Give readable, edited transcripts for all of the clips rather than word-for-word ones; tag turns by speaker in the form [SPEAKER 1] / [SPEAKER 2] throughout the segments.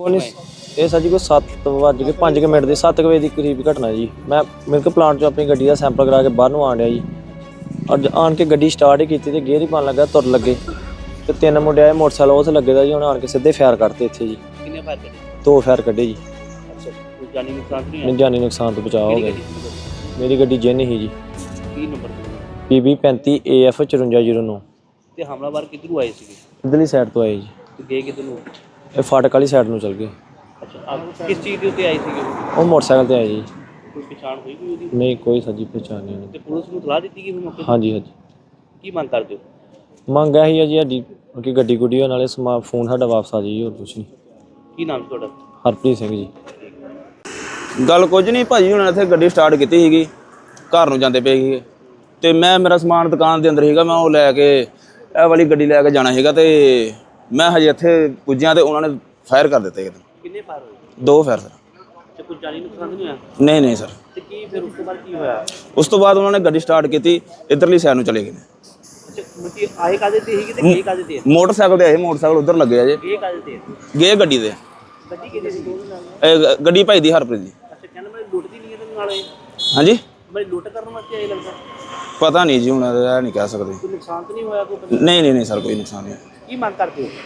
[SPEAKER 1] ਇਹ ਸਰ ਜੀ ਕੋਈ 7:05 ਮਿੰਟ ਦੀ 7 ਵਜੇ ਦੀ ਕਰੀਬ ਘਟਨਾ ਜੀ। ਮੈਂ ਮਿਲਕ ਪਲਾਂਟ 'ਚੋਂ ਆਪਣੀ ਗੱਡੀ ਦਾ ਸੈਂਪਲ ਕਰਾ ਕੇ ਬਾਹਰ ਨੂੰ ਆਣ ਡਿਆ ਜੀ। ਅੱਜ ਆਣ ਕੇ ਗੱਡੀ ਸਟਾਰਟ ਹੀ ਕੀਤੀ ਤੇ ਗੇਅਰ ਹੀ ਪਾਉਣ ਲੱਗਾ, ਤੁਰ ਲੱਗੇ ਤੇ 3 ਮੁੰਡੇ ਆਏ ਮੋਟਰਸਾਈਕਲ ਉਸ ਲੱਗੇ ਦਾ ਜੀ। ਹੁਣ ਆਣ ਕੇ ਸਿੱਧੇ ਫਾਇਰ ਕੱਢਤੇ ਇੱਥੇ ਜੀ।
[SPEAKER 2] ਕਿੰਨੇ ਫਾਇਰ ਕੱਢੇ?
[SPEAKER 1] 2 ਫਾਇਰ ਕੱਢੇ ਜੀ।
[SPEAKER 2] ਅੱਛਾ, ਕੋਈ ਜਾਨੀ ਨੁਕਸਾਨ ਨਹੀਂ
[SPEAKER 1] ਨਹੀਂ, ਜਾਨੀ ਨੁਕਸਾਨ ਤੋਂ ਬਚਾਅ ਹੋ ਗਿਆ। ਮੇਰੀ ਗੱਡੀ ਜਿੰਨ ਹੀ ਜੀ,
[SPEAKER 2] ਕੀ ਨੰਬਰ
[SPEAKER 1] PB 35 AF 5409।
[SPEAKER 2] ਤੇ ਹਮਲਾਵਰ ਕਿੱਧਰੋਂ ਆਏ ਸੀਗੇ?
[SPEAKER 1] ਇੱਧਰਲੀ ਸਾਈਡ ਤੋਂ ਆਏ ਜੀ।
[SPEAKER 2] ਤੇ ਗਏ ਕਿੱਧਰ ਨੂੰ?
[SPEAKER 1] ਇਹ ਫਾਟਕ ਵਾਲੀ ਸਾਈਡ ਨੂੰ ਚਲ ਗਏ।
[SPEAKER 2] ਅੱਛਾ, ਕਿਸ ਚੀਜ਼ ਦੇ ਉੱਤੇ ਆਏ ਸੀਗੇ?
[SPEAKER 1] ਉਹ ਮੋਟਰਸਾਈਕਲ ਤੇ ਆਏ ਜੀ।
[SPEAKER 2] ਕੋਈ ਪਛਾਣ ਹੋਈ ਕੋਈ ਉਹਦੀ?
[SPEAKER 1] ਨਹੀਂ, ਕੋਈ ਸੱਜੀ ਪਛਾਣ ਨਹੀਂ ਉਹਦੀ।
[SPEAKER 2] ਤੇ ਪੁਲਿਸ ਨੂੰ ਸਲਾਹ ਦਿੱਤੀ ਗਈ ਫਿਰ ਮੌਕੇ ਤੇ?
[SPEAKER 1] ਹਾਂਜੀ ਹਾਂਜੀ।
[SPEAKER 2] ਕੀ ਮੰਗ ਕਰਦੇ ਹੋ?
[SPEAKER 1] ਮੰਗ ਇਹੀ ਹੈ ਜੀ ਸਾਡੀ ਕਿ ਗੱਡੀ ਗੁੱਡੀ ਹੋਣ ਨਾਲੇ ਫੋਨ ਸਾਡਾ ਵਾਪਸ ਆ ਜਾਏ ਜੀ, ਹੋਰ ਕੁਛ ਨਹੀਂ।
[SPEAKER 2] ਕੀ ਨਾਮ ਤੁਹਾਡਾ?
[SPEAKER 1] ਹਰਪ੍ਰੀਤ ਸਿੰਘ ਜੀ।
[SPEAKER 3] ਗੱਲ ਕੁਝ ਨਹੀਂ ਭਾਜੀ, ਹੁਣ ਇੱਥੇ ਗੱਡੀ ਸਟਾਰਟ ਕੀਤੀ ਸੀਗੀ, ਘਰ ਨੂੰ ਜਾਂਦੇ ਪਏ ਸੀਗੇ ਤੇ ਮੇਰਾ ਸਮਾਨ ਦੁਕਾਨ ਦੇ ਅੰਦਰ ਸੀਗਾ। ਮੈਂ ਉਹ ਲੈ ਕੇ ਇਹ ਵਾਲੀ ਗੱਡੀ ਲੈ ਕੇ ਜਾਣਾ ਸੀਗਾ ਤੇ ਮੈਂ ਹਜੇ ਇੱਥੇ ਪੁੱਜਿਆ ਤੇ ਉਹਨਾਂ ਨੇ ਫਾਇਰ ਕਰ ਦਿੱਤੇ।
[SPEAKER 2] ਕਿੰਨੇ ਫਾਇਰ ਹੋਏ?
[SPEAKER 3] 2 ਫਾਇਰ ਸਰ।
[SPEAKER 2] ਤੇ ਕੋਈ ਜਾਨੀ ਨੁਕਸਾਨ ਨਹੀਂ ਹੋਇਆ?
[SPEAKER 3] ਨਹੀਂ ਨਹੀਂ ਸਰ।
[SPEAKER 2] ਤੇ ਕੀ ਫਿਰ ਉਸ ਤੋਂ ਬਾਅਦ ਕੀ ਹੋਇਆ?
[SPEAKER 3] ਉਸ ਤੋਂ ਬਾਅਦ ਉਹਨਾਂ ਨੇ ਗੱਡੀ ਸਟਾਰਟ ਕੀਤੀ, ਇੱਧਰਲੀ ਸਾਈਡ ਨੂੰ ਚਲੇ ਗਏ ਨੇ।
[SPEAKER 2] ਅੱਛਾ, ਮੁੱਕੀ ਆਏ ਕਾਦੇ ਤੇ ਸੀਗੇ ਤੇ ਗਏ ਕਾਦੇ ਤੇ?
[SPEAKER 3] ਮੋਟਰਸਾਈਕਲ ਤੇ ਆਏ, ਮੋਟਰਸਾਈਕਲ ਉੱਧਰ ਲੱਗੇ ਆ ਜੇ।
[SPEAKER 2] ਗਏ ਕਾਦੇ ਤੇ?
[SPEAKER 3] ਗਏ ਗੱਡੀ ਤੇ।
[SPEAKER 2] ਗੱਡੀ ਕਿਹਦੀ ਸੀ?
[SPEAKER 3] ਗੱਡੀ ਭਾਈ ਦੀ ਹਰਪ੍ਰੀਤ ਦੀ।
[SPEAKER 2] ਅੱਛਾ, ਕਹਿੰਦਾ ਮੈਂ ਲੁੱਟ ਦੀ ਨਹੀਂ ਹੈ ਤੇ ਨਾਲ ਆਏ?
[SPEAKER 3] ਹਾਂਜੀ,
[SPEAKER 2] ਮੈਂ ਲੁੱਟ ਕਰਨ ਵਾਸਤੇ ਆਏ ਲੱਗਦਾ।
[SPEAKER 3] ਪਤਾ ਨਹੀਂ ਜੀ, ਹੁਣ ਇਹ ਨਹੀਂ ਕਹਿ ਸਕਦੇ।
[SPEAKER 2] ਕੋਈ ਨੁਕਸਾਨ ਤਾਂ ਨਹੀਂ ਹੋਇਆ ਕੋਈ?
[SPEAKER 3] ਨਹੀਂ ਸਰ, ਕੋਈ ਨੁਕਸਾਨ ਨਹੀਂ।
[SPEAKER 2] ਕੀ ਮੰਗ ਕਰਦੇ ਹੋ?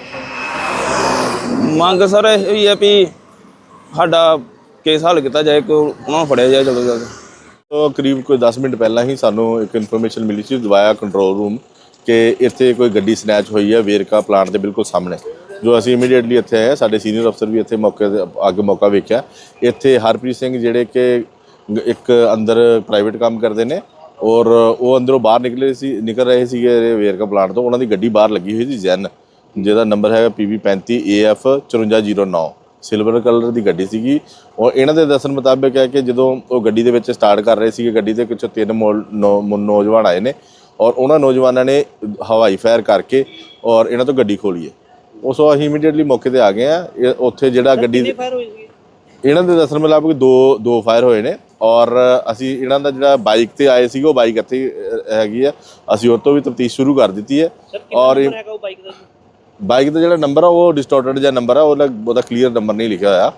[SPEAKER 3] ਮੰਗ ਸਰ ਇਹ ਹੀ ਹੈ ਵੀ ਸਾਡਾ ਕੇਸ ਹੱਲ ਕੀਤਾ ਜਾਏ, ਕਿ ਉਹਨਾਂ ਨੂੰ ਫੜਿਆ ਜਾਏ ਜਲਦ ਤੋਂ ਜਲਦ।
[SPEAKER 4] तो करीब कोई 10 मिनट पहला ही सानू एक इन्फॉर्मेशन मिली थी दवाया कंट्रोल रूम कि इत्थे कोई गड्डी स्नैच हुई है वेरका प्लांट के बिल्कुल सामने। जो असी इमीडिएटली इत्थे आए, साडे सीनियर अफसर भी इत्थे मौके आगे मौका वेख्या। इत्थे हरप्रीत सिंह जिहड़े कि एक अंदर प्राइवेट काम करते हैं और वो अंदरों बाहर निकल रहे थे वेरका प्लांट तो उन्होंने गड्डी बाहर लगी हुई थी जैन, जिहदा नंबर है PB 35 AF 5409। सिल्वर कलर की गड्डी सीगी और इन्हों के दसन मुताबिक है कि जो वो गड्डी के विच स्टार्ट कर रहे थे, गड्डी के पिछों 3 नौजवान आए ने और उन्होंने नौजवानों ने हवाई फायर करके और इन्हों तो गड्डी खोली है। उस असीं इमीडिएटली मौके पर आ गए हैं। उत्थे जिहड़ा गड्डी इन्हों के दसन मुताबिक दो फायर होए ने और असी इन्हों का जिहड़ा बाइक ते आए सी, बाइक इत्थे हैगी है, असी उस तो भी तफ्तीश शुरू कर दी है। और बाइक का जो नंबर है वो डिस्टोर्टेड जो नंबर है, वो क्लीयर नंबर नहीं लिखा होया।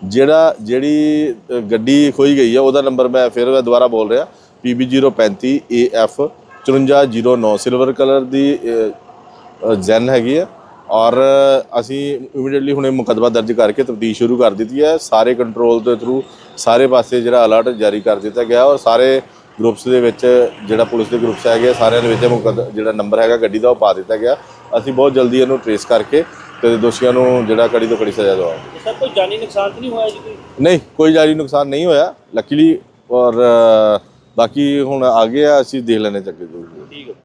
[SPEAKER 4] जी गड्डी खोई गई है वह नंबर मैं फिर दोबारा बोल रहा, PB 035 AF 5409 सिल्वर कलर की जैन हैगी है। और असी इमीडिएटली हुणे मुकदमा दर्ज करके तफ्तीश शुरू कर दी है। सारे कंट्रोल के थ्रू सारे पासे जो अलर्ट जारी कर दिया गया और सारे ग्रुप्स के जो पुलिस के ग्रुप्स है सारे जो नंबर है गड्डी का पा दिता गया। असी बहुत जल्दी इन्हू ट्रेस करके तो दोषियों को जो कड़ी तो कड़ी सजा दवांगे।
[SPEAKER 2] सर कोई जानी नुकसान तो नहीं होया जी?
[SPEAKER 4] नहीं, कोई जानी नुकसान नहीं होया लकीली। और बाकी हुण आगे असी देख लेने चक्के।